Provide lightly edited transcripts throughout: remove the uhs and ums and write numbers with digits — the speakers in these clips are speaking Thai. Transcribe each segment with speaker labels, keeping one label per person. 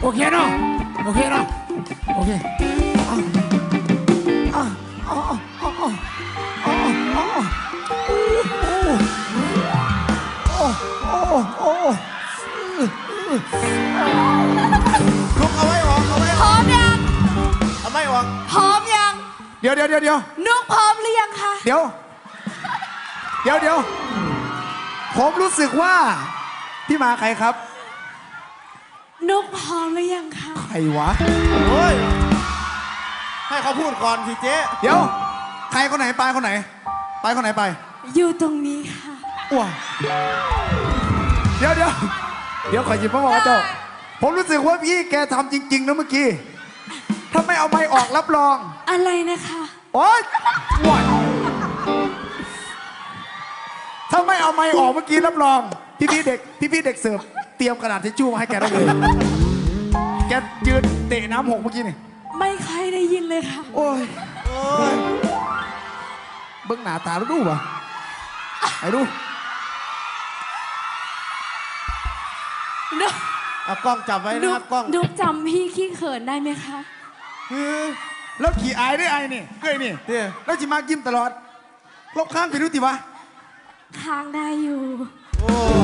Speaker 1: เคเนาะโอเคเนาะโอเค
Speaker 2: ลุกเอาไว้ออกเอาไว้
Speaker 3: พ
Speaker 2: อ
Speaker 3: ร้
Speaker 2: อ
Speaker 3: อก มยัง
Speaker 2: เอาไม่ออก
Speaker 3: พร้อมยัง
Speaker 1: เดี๋ยว
Speaker 3: นุกพร้อมหรือยังคะ
Speaker 1: เดี๋ยวผมรู้สึกว่าพี่มาใครครับ
Speaker 3: นุกพร้อมหรือยังคะ
Speaker 1: ใครวะ
Speaker 2: โอ้ยให้เขาพูดก่อนสิเจ๊
Speaker 1: เดี๋ยวใครคนไหนไปคนไหนไปคนไหนไป
Speaker 3: อยู่ตรงนี้ค่ะ
Speaker 1: ว้าเดี๋ยวขอหยิบมาบอกเจ้าผมรู้สึกว่าพี่แกทำจริงๆนะเมื่อกี้ถ้าไม่เอาไม้ออกรับรอง
Speaker 3: อะไรนะคะ
Speaker 1: โอ๊ยว้ายถ้าไม่เอาไม้ออกเมื่อกี้รับรองพี่เด็กเสิร์ฟเตรียมกระดาษทิชชู่มาให้แกได้เลยแกยืนเตะน้ำหกเมื่อกี้นี่
Speaker 3: ไม่ค่อยได้ยินเลยค่ะ
Speaker 1: โอ้ย
Speaker 2: โอ้ย
Speaker 1: เบิ้งหน้าตาแล้วดูป่ะไอ้ดู
Speaker 3: นุก
Speaker 2: เอากล้องจับไว้นะครับกล้อง
Speaker 3: นุกจำพี่ขี้เขินได้ไหมคะ
Speaker 1: แล้วขี่อายได้ไอ้นี่เอ้ยนี่
Speaker 2: เจ๊
Speaker 1: แล้วจิมายิ้มตลอดลบข้างไปดูติวะ
Speaker 3: ค้างได้อยู่
Speaker 2: โอ้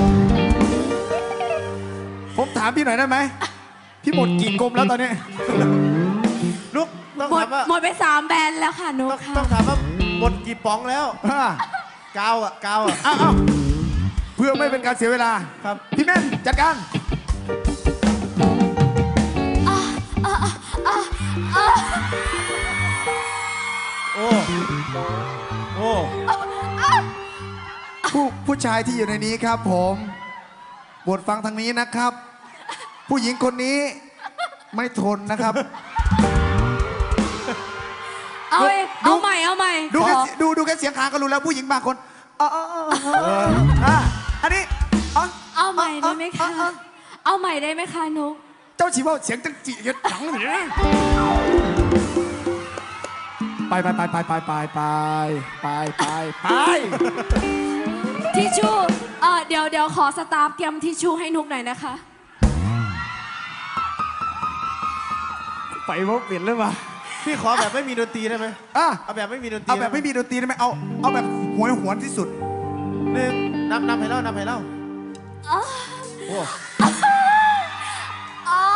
Speaker 1: ผมถามพี่หน่อยได้ไหมพี่หมดกี่กลมแล้วตอนนี้
Speaker 2: ลุกต้อง
Speaker 3: หมด
Speaker 2: ถามว่า
Speaker 3: หมดไป3 แบรนด์แล้วค่ะนุก
Speaker 2: ต้อง
Speaker 3: ค่ะ
Speaker 2: ต้องถามว่าหมดกี่ป๋องแล้ว กาวอ่ะกาวอ่ะ
Speaker 1: อ้าวเพื่อไม่เป็นการเสียเวลา
Speaker 2: ครับ
Speaker 1: พี่แม่นจัดการ
Speaker 2: โอ้โอ้
Speaker 1: ผู้ชายที่อยู่ในนี้ครับผมบทฟังทางนี้นะครับ ผู้หญิงคนนี้ไม่ทนนะครับ
Speaker 3: เอาใหม่
Speaker 1: ดู
Speaker 3: ข
Speaker 1: แค่
Speaker 3: อ
Speaker 1: ดูแค่เสียงคางก็รู้แล้วผู้หญิงบางคนอันนี้
Speaker 3: เอาใหม่ได้ไหมคะ เอาใหม่ได้ไหมคะนุก
Speaker 1: เจ้าชีว่าเสียงจังจีเย็ดหนังเนี่ยไป
Speaker 3: ทิชชู่เดี๋ยวขอสตาฟเตรียมทิชชู่ให้นุกหน่อยนะคะ
Speaker 1: ไปว่าเปลี่ยนเลยว่ะ
Speaker 2: พี่ขอแบบไม่มีดนตรีได้ไหม
Speaker 1: อ่ะ
Speaker 2: เอาแบบไม่มีดนตรี
Speaker 1: เอาแบบไม่มีดนตรีได้ไหมเอาแบบหวนที่สุด
Speaker 2: หนึ่งนำให้เล่านำให้เล่าโอ้
Speaker 3: อ๋อ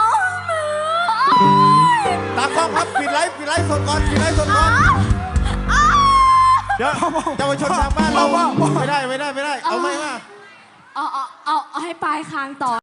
Speaker 2: ตากล้องครับปิดไลฟ์สดก่อนปิดไลฟ์สดก่อนเดี๋ยวเยาวชนทางบ้านเราไม่ได้เอาไม่มา
Speaker 3: เอาให้ปลายคางต่อ